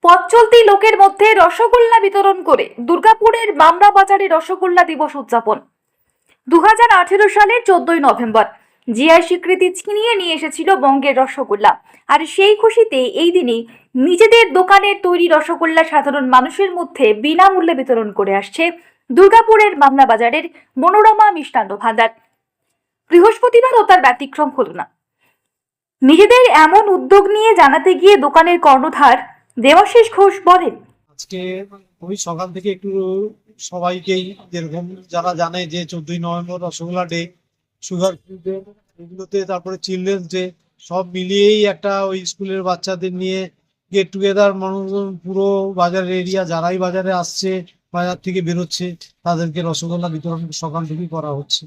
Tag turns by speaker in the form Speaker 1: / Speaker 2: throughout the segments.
Speaker 1: পথ চলতি লোকের মধ্যে রসগোল্লা বিতরণ করে দুর্গাপুরের মামরা বাজারে রসগোল্লা দিবস উদযাপন। 2018 সালের 14ই নভেম্বর জিআই স্বীকৃতি ছিনিয়ে নিয়ে এসেছিল বঙ্গের রসগোল্লা। আর সেই খুশিতে এই দিনে নিজেদের দোকানের তৈরি রসগোল্লা সাধারণ মানুষের মধ্যে বিনামূল্যে বিতরণ করে আসছে দুর্গাপুরের মামরা বাজারের মনোরমা মিষ্টান্ন ভান্ডার। বৃহস্পতিবারও তার ব্যতিক্রম হলো না। নিজেদের এমন উদ্যোগ নিয়ে জানাতে গিয়ে দোকানের কর্ণধার দেবাশিস ঘোষ বলেন,
Speaker 2: আজকে ওই সকাল থেকে একটু সবাইকেই যেরকম যারা জানে যে 14ই November rasgulla day, sugar free day, এগুলোতে তারপরে চিলড্রেন্স ডে, সব মিলিয়েই একটা ওই স্কুলের বাচ্চাদের নিয়ে গেট টুগেদার মানুষজন পুরো বাজারের এরিয়া যারাই বাজারে আসছে, বাজার থেকে বেরোচ্ছে, তাদেরকে রসগোল্লা বিতরণ সকাল থেকেই করা হচ্ছে।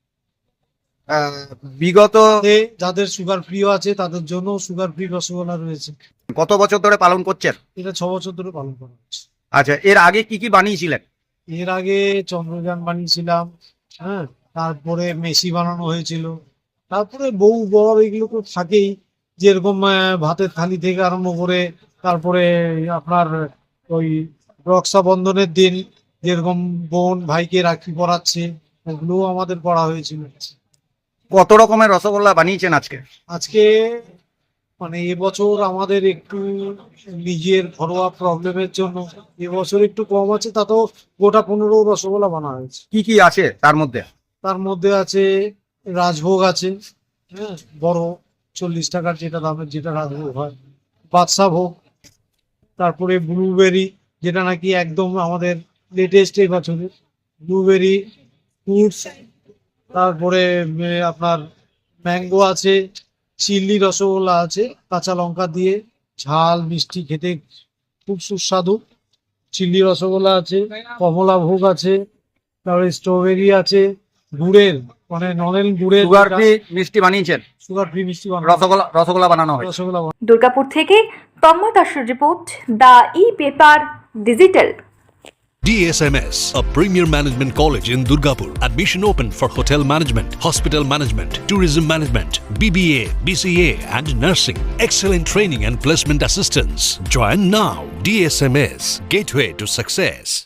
Speaker 3: বিগত
Speaker 2: যাদের সুগার ফ্রি আছে তাদের জন্য সুগার ফ্রি রসগোল্লা রয়েছে।
Speaker 3: কত বছর ধরে পালন করছেন?
Speaker 2: এটা 6 বছর ধরে পালন করা হচ্ছে।
Speaker 3: আচ্ছা, এর আগে কি কি বানিয়েছিলেন?
Speaker 2: এর আগে চন্দ্রযান বানিয়েছিলাম, হ্যাঁ, তারপরে মেসি বানানো হয়েছিল, তারপরে বউ বর এগুলো তো থাকেই, যেরকম ভাতের থালি থেকে আরম্ভ করে তারপরে আপনার ওই রক্ষাবন্ধনের দিন যেরকম বোন ভাইকে রাখি পরাচ্ছে, ওগুলোও আমাদের করা হয়েছিল।
Speaker 3: কত রকমের রসগোল্লা বানিয়েছেন আজকে?
Speaker 2: আজকে মানে এবছর আমাদের একটু নিজের ঘরোয়া প্রবলেমের জন্য এবছর একটু কম আছে, তাতেও গোটা 15 রসগোল্লা বানা হয়েছে।
Speaker 3: কি কি আছে তার মধ্যে?
Speaker 2: তার মধ্যে আছে রাজভোগ আছে, হ্যাঁ, বড় 40 টাকার যেটা দামের যেটা রাজভোগ হয়, বাদশা ভোগ, তারপরে ব্লুবেরি যেটা নাকি একদম আমাদের লেটেস্ট এই বছরের ব্লুবেরি ফ্রুটস, তারপরে আপনার ম্যাঙ্গো আছে, চিল্লি রসগোল্লা আছে, কাঁচা লঙ্কা দিয়ে ঝাল মিষ্টি খেতে খুব সুস্বাদু চিল্লি রসগোল্লা আছে, কমলা ভোগ আছে, তারপরে স্ট্রবেরি আছে, গুড়ের মানে নলেন গুড়ের
Speaker 3: সুগার ফ্রি মিষ্টি বানিয়েছেন?
Speaker 2: সুগার ফ্রি মিষ্টি
Speaker 3: রসগোল্লা বানানো হয়।
Speaker 2: রসগোল্লা
Speaker 1: দুর্গাপুর থেকে তন্ময় দাসের report, the e-paper digital.
Speaker 4: DSMS, a premier management college in Durgapur. Admission open for hotel management, hospital management, tourism management, BBA, BCA and nursing. Excellent training and placement assistance. Join now. DSMS, gateway to success.